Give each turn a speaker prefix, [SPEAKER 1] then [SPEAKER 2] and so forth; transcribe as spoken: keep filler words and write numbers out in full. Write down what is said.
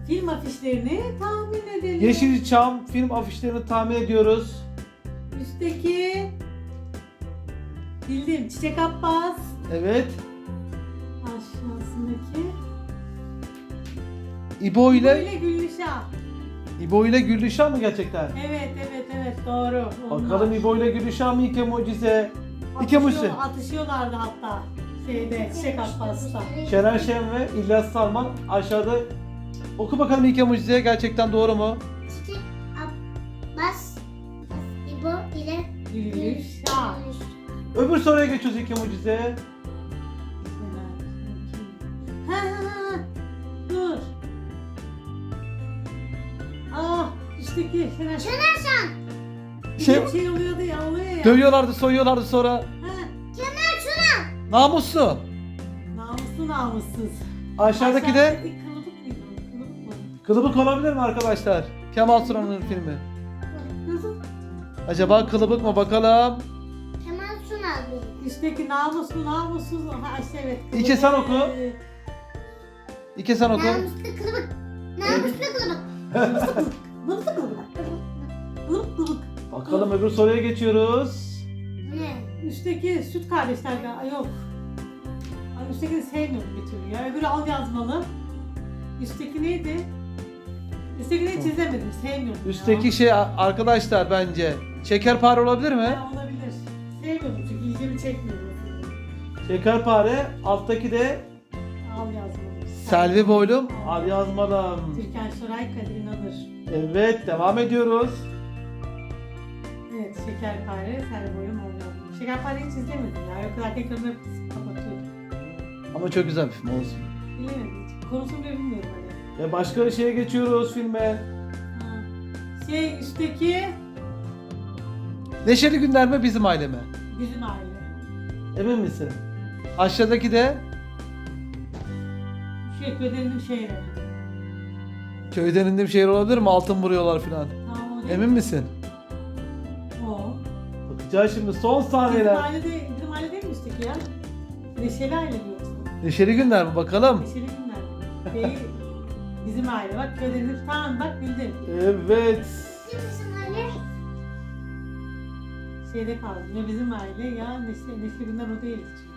[SPEAKER 1] Film afişlerini tahmin edelim.
[SPEAKER 2] Yeşilçam film afişlerini tahmin ediyoruz.
[SPEAKER 1] Üstteki bildim Çiçek Abbas.
[SPEAKER 2] Evet.
[SPEAKER 1] Aşağısındaki
[SPEAKER 2] İbo ile
[SPEAKER 1] böyle Gülüşah.
[SPEAKER 2] İbo ile Gülüşah mı gerçekten?
[SPEAKER 1] Evet evet evet doğru. Onlar.
[SPEAKER 2] Bakalım İbo ile Gülüşah mı İke Mucize? İke Mucize.
[SPEAKER 1] Atışıyor- Atışıyorlardı hatta şeyde Çiçek Abbas'ta.
[SPEAKER 2] Şener Şen ve İlyas Salman aşağıda. Oku bakalım İke Mucize gerçekten doğru mu?
[SPEAKER 3] Çiçek Abbas İbo ile
[SPEAKER 1] Gülüşah.
[SPEAKER 2] Öbür soruya geçiyoruz İke Mucize.
[SPEAKER 1] Ha, ha, ha. Dur. Ah üstteki Şener Şen.
[SPEAKER 3] Şener Şen.
[SPEAKER 2] Şey,
[SPEAKER 1] Bir şey oluyordu ya oluyor ya.
[SPEAKER 2] dövüyorlardı, soyuyorlardı sonra.
[SPEAKER 1] Ha,
[SPEAKER 3] Kemal Sunal.
[SPEAKER 2] Namuslu.
[SPEAKER 1] namuslu namussuz.
[SPEAKER 2] Aşağıdaki de
[SPEAKER 1] Aşağıdaki kılıbık mıydı? Kılıbık mı?
[SPEAKER 2] Kılıbık olabilir mi arkadaşlar? Kemal Sunal'ın filmi.
[SPEAKER 1] Kızım.
[SPEAKER 2] Acaba Kılıbık mı bakalım?
[SPEAKER 3] Kemal Sunal benim.
[SPEAKER 1] Üstteki namuslu namussuz. Ha işte evet.
[SPEAKER 2] İlke sen oku.
[SPEAKER 1] Ee,
[SPEAKER 2] İki sen oku.
[SPEAKER 3] Namuslu kılıbık. Namuslu kılıbık.
[SPEAKER 1] Namuslu kılıbık. Kılıbık kılıbık.
[SPEAKER 2] Bakalım öbür soruya geçiyoruz.
[SPEAKER 3] Ne?
[SPEAKER 1] Üstteki süt kardeşler galiba. Yok. Ay, üsttekini sevmiyorum bir türlü ya. Öbürü al yazmalı. Üstteki neydi? Üsttekini çizemedim. Sevmiyorum. ya.
[SPEAKER 2] Üstteki şey arkadaşlar bence. Şekerpare olabilir mi?
[SPEAKER 1] Ha, olabilir. Sevmiyorum çünkü ilgimi çekmiyor.
[SPEAKER 2] Şekerpare. Alttaki de
[SPEAKER 1] Al yazmalı.
[SPEAKER 2] Selvi Boylum. Al yazmalım.
[SPEAKER 1] Türkan Şoray, Kadir İnanır.
[SPEAKER 2] Evet devam ediyoruz.
[SPEAKER 1] Evet, Şekerpare, Selvi Boylum al yazmalı. Şekerpareyi hiç izlemedim ya. O kadar tekrar hep kapatıyordum.
[SPEAKER 2] Ama çok güzel bir film olsun.
[SPEAKER 1] Bilemedim hiç. Konusunu bile bilmiyorum hani.
[SPEAKER 2] Ve başka şeye geçiyoruz filme.
[SPEAKER 1] Ha. Şey üstteki
[SPEAKER 2] Neşeli Günler mi Bizim Aile mi?
[SPEAKER 1] bizim aile.
[SPEAKER 2] Emin misin? Aşağıdaki de
[SPEAKER 1] Şu ekmeğinin şeyleri.
[SPEAKER 2] Köyden indim şehir olabilir mi? Altın vuruyorlar filan.
[SPEAKER 1] Tamam o değil.
[SPEAKER 2] Emin misin?
[SPEAKER 1] O.
[SPEAKER 2] Bakacağız şimdi son
[SPEAKER 1] Bizim
[SPEAKER 2] saniyeler.
[SPEAKER 1] aile, de, bizim aile değil mi üstteki ya? Neşeli aile mi yoksa?
[SPEAKER 2] Neşeli Günler mi bakalım?
[SPEAKER 1] Neşeli günler. Değil. Bizim aile. Bak köydenir. Tamam bak bildim.
[SPEAKER 2] Evet.
[SPEAKER 3] Bizim aile.
[SPEAKER 1] Şeyde kaldı. Ne bizim aile ya Neşeli, Neşeli günler o değil.